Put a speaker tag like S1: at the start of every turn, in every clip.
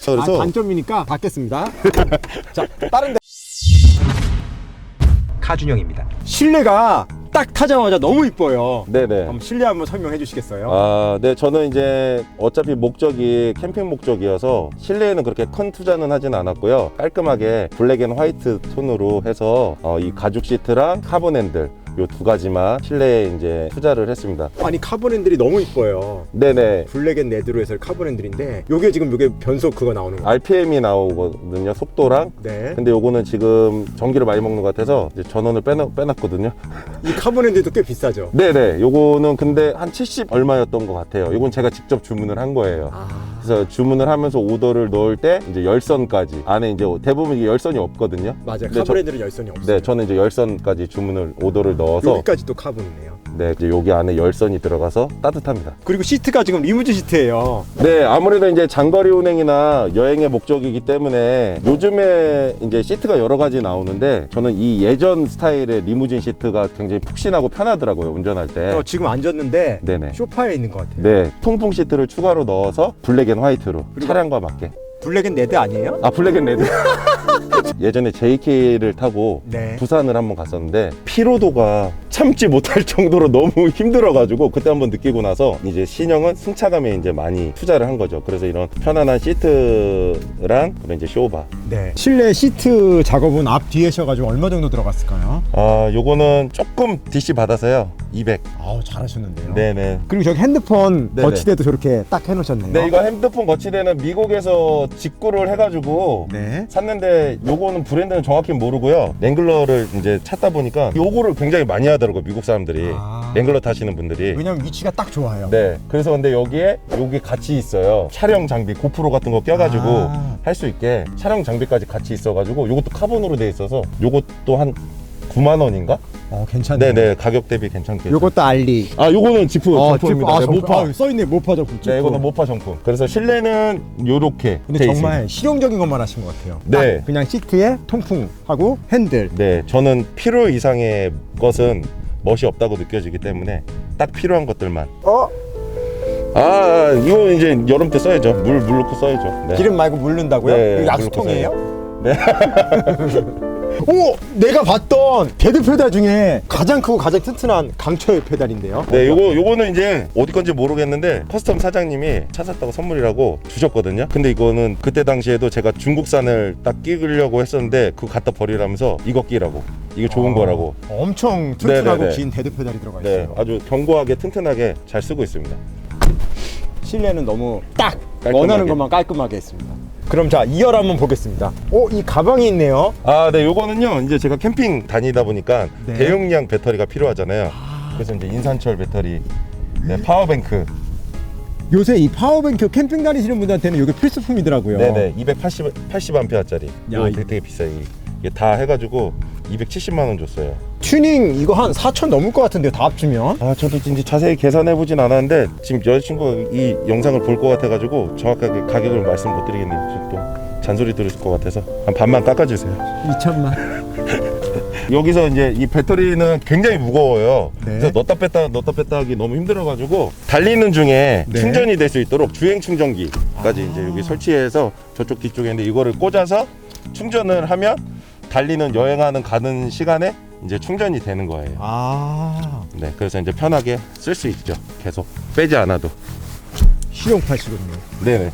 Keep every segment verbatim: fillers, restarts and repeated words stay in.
S1: 그래서
S2: 아, 단점이니까 받겠습니다. 자, 다른 데
S3: 카준영입니다.
S2: 실내가 딱 타자마자 너무 이뻐요.
S1: 네네.
S2: 한번 실내 한번 설명해 주시겠어요?
S1: 아, 네, 저는 이제 어차피 목적이 캠핑 목적이어서 실내에는 그렇게 큰 투자는 하진 않았고요. 깔끔하게 블랙 앤 화이트 톤으로 해서 어, 이 가죽 시트랑 카본 핸들 요 두 가지만 실내에 이제 투자를 했습니다.
S2: 아니 카본 핸들이 너무 이뻐요.
S1: 네네.
S2: 블랙 앤 레드로 해서 카본 핸들인데 요게 지금 요게 변속 그거 나오는 거예요.
S1: 알피엠이 나오거든요, 속도랑.
S2: 네.
S1: 근데 요거는 지금 전기를 많이 먹는 것 같아서 이제 전원을 빼놨, 빼놨거든요.
S2: 이 카본 핸들도 꽤 비싸죠.
S1: 네네. 요거는 근데 한 칠십 얼마였던 것 같아요. 요건 제가 직접 주문을 한 거예요.
S2: 아...
S1: 그래서 주문을 하면서 오더를 넣을 때 이제 열선까지 안에 이제 대부분 이게 열선이 없거든요.
S2: 맞아요.
S1: 근데
S2: 카본
S1: 저-
S2: 핸들은 열선이 없어요.
S1: 네, 저는 이제 열선까지 주문을 오더를 넣어서
S2: 여기까지 또 카본이네요.
S1: 네, 이제 여기 안에 열선이 들어가서 따뜻합니다.
S2: 그리고 시트가 지금 리무진 시트예요.
S1: 네, 아무래도 이제 장거리 운행이나 여행의 목적이기 때문에 요즘에 이제 시트가 여러 가지 나오는데 저는 이 예전 스타일의 리무진 시트가 굉장히 푹신하고 편하더라고요, 운전할 때.
S2: 어, 지금 앉았는데
S1: 네네.
S2: 소파에 있는 것 같아요.
S1: 네, 통풍 시트를 추가로 넣어서 블랙 앤 화이트로
S2: 그리고-
S1: 차량과 맞게.
S2: 블랙 앤 레드 아니에요?
S1: 아, 블랙 앤 레드. 예전에 제이케이를 타고
S2: 네.
S1: 부산을 한번 갔었는데 피로도가 참지 못할 정도로 너무 힘들어가지고 그때 한번 느끼고 나서 이제 신형은 승차감에 이제 많이 투자를 한 거죠. 그래서 이런 편안한 시트랑 그런 이제 쇼바.
S2: 네. 실내 시트 작업은 앞 뒤에 셔가지고 얼마 정도 들어갔을까요?
S1: 아, 요거는 조금 디씨 받아서요. 이백.
S2: 아우 잘하셨는데요.
S1: 네네.
S2: 그리고 저기 핸드폰
S1: 네네.
S2: 거치대도 저렇게 딱 해놓으셨네요.
S1: 네, 이거 핸드폰 거치대는 미국에서 직구를 해가지고
S2: 네.
S1: 샀는데 요거는 브랜드는 정확히 모르고요. 랭글러를 이제 찾다 보니까 요거를 굉장히 많이 하더라고요, 미국 사람들이.
S2: 아.
S1: 랭글러 타시는 분들이.
S2: 왜냐면 위치가 딱 좋아요.
S1: 네, 그래서 근데 여기에 요게 같이 있어요. 촬영 장비 고프로 같은 거 껴가지고
S2: 아.
S1: 할 수 있게 촬영 장비까지 같이 있어가지고 요것도 카본으로 돼 있어서 요것도 한 구만 원인가?
S2: 어 괜찮네요.
S1: 네네, 가격 대비 괜찮게.
S2: 요것도 알리.
S1: 아, 요거는 지프
S2: 어,
S1: 정품입니다.
S2: 아,
S1: 네,
S2: 정품.
S1: 모파.
S2: 아, 써있네 모파 정품.
S1: 네, 이거는 모파 정품. 그래서 실내는 요렇게.
S2: 근데
S1: 돼
S2: 정말
S1: 있습니다.
S2: 실용적인 것만 하신 것 같아요.
S1: 네.
S2: 딱 그냥 시트에 통풍하고 핸들.
S1: 네, 저는 필요 이상의 것은 멋이 없다고 느껴지기 때문에 딱 필요한 것들만.
S2: 어?
S1: 아, 이거 이제 여름 때 써야죠. 물, 물 넣고 써야죠. 네.
S2: 기름 말고 물 넣는다고요?
S1: 네,
S2: 이거 약수통이에요?
S1: 네.
S2: 오! 내가 봤던 데드 페달 중에 가장 크고 가장 튼튼한 강철 페달인데요.
S1: 네, 요거, 요거는 이제 어디 건지 모르겠는데 커스텀 사장님이 차 샀다고 선물이라고 주셨거든요. 근데 이거는 그때 당시에도 제가 중국산을 딱 끼려고 했었는데 그거 갖다 버리라면서 이거 끼라고. 이게 좋은
S2: 아,
S1: 거라고.
S2: 엄청 튼튼하고
S1: 네네네.
S2: 긴 데드 페달이 들어가
S1: 네,
S2: 있어요.
S1: 아주 견고하게 튼튼하게 잘 쓰고 있습니다.
S2: 실내는 너무 딱
S1: 깔끔하게.
S2: 원하는 것만 깔끔하게 했습니다. 그럼 자 이 열 한번 보겠습니다. 오, 이 가방이 있네요.
S1: 아, 네, 요거는요. 이제 제가 캠핑 다니다 보니까
S2: 네.
S1: 대용량 배터리가 필요하잖아요. 그래서 이제 인산철 배터리, 네, 파워뱅크.
S2: 요새 이 파워뱅크 캠핑 다니시는 분들한테는 이게 필수품이더라고요.
S1: 네네, 이백팔십 팔십 암페어짜리.
S2: 야,
S1: 이거
S2: 이-
S1: 되게, 되게 비싸요. 이게 다 해가지고 이백칠십만 원 줬어요.
S2: 튜닝 이거 한 사천 넘을 것 같은데요, 다 합치면.
S1: 아, 저도 이제 자세히 계산해보진 않았는데 지금 여자친구가 이 영상을 볼 것 같아가지고 정확하게 가격을 말씀 못 드리겠네요. 지금 또 잔소리 들으실 것 같아서 한 반만 깎아주세요.
S2: 이천만.
S1: 여기서 이제 이 배터리는 굉장히 무거워요.
S2: 네.
S1: 그래서 넣었다 뺐다 넣었다 뺐다 하기 너무 힘들어가지고 달리는 중에
S2: 네.
S1: 충전이 될 수 있도록 주행 충전기까지 이제 여기 설치해서 저쪽 뒤쪽에 있는데 이거를 꽂아서 충전을 하면 달리는 여행하는 가는 시간에 이제 충전이 되는 거예요.
S2: 아,
S1: 네, 그래서 이제 편하게 쓸 수 있죠. 계속 빼지 않아도.
S2: 실용파시거든요.
S1: 네네.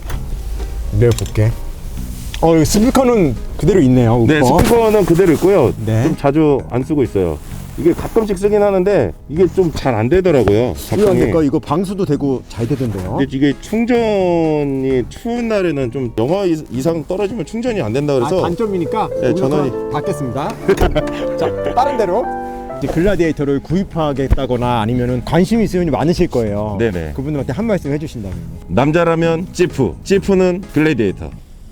S2: 내가 볼게. 어, 여기 스피커는 그대로 있네요. 우퍼.
S1: 네, 스피커는 그대로 있고요.
S2: 네.
S1: 좀 자주 안 쓰고 있어요. 이게 가끔씩 쓰긴 하는데 이게 좀 잘 안 되더라고요.
S2: 이거 안
S1: 작동이.
S2: 될까? 이거 방수도 되고 잘 되던데요.
S1: 근데 이게 충전이 추운 날에는 좀 영하 이- 이상 떨어지면 충전이 안 된다 그래서
S2: 아, 단점이니까
S1: 네,
S2: 여기서
S1: 전원이-
S2: 받겠습니다. 자, 다른 데로. 이제 글라디에이터를 구입하겠다거나 아니면은 관심 있으신 분이 많으실 거예요.
S1: 네네.
S2: 그분들한테 한 말씀 해주신다면.
S1: 남자라면 지프, 지프는 글래디에이터.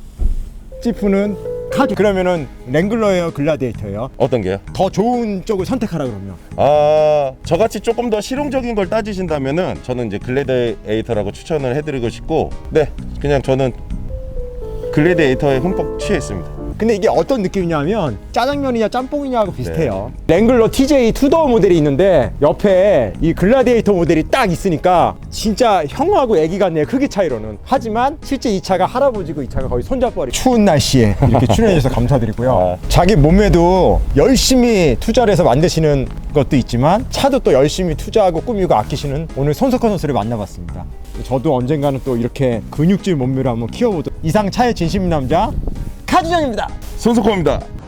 S2: 지프는 카드. 그러면은 랭글러예요, 글라디에이터예요?
S1: 어떤 게요?
S2: 더 좋은 쪽을 선택하라 그러면.
S1: 아, 저같이 조금 더 실용적인 걸 따지신다면은 저는 이제 글래디에이터라고 추천을 해드리고 싶고, 네, 그냥 저는 글래디에이터에 흠뻑 취해 있습니다.
S2: 근데 이게 어떤 느낌이냐면 짜장면이냐 짬뽕이냐하고 비슷해요. 랭글러 티제이 투도어 모델이 있는데 옆에 이 글라디에이터 모델이 딱 있으니까 진짜 형하고 애기 같네요, 크기 차이로는. 하지만 실제 이 차가 할아버지고 이 차가 거의 손잡벌이. 추운 날씨에 이렇게 출연해주셔서 감사드리고요. 자기 몸에도 열심히 투자를 해서 만드시는 것도 있지만 차도 또 열심히 투자하고 꾸미고 아끼시는 오늘 손석환 선수를 만나봤습니다. 저도 언젠가는 또 이렇게 근육질 몸매를 한번 키워보도록. 이상 차의 진심 남자 카주장입니다.
S1: 손석호입니다.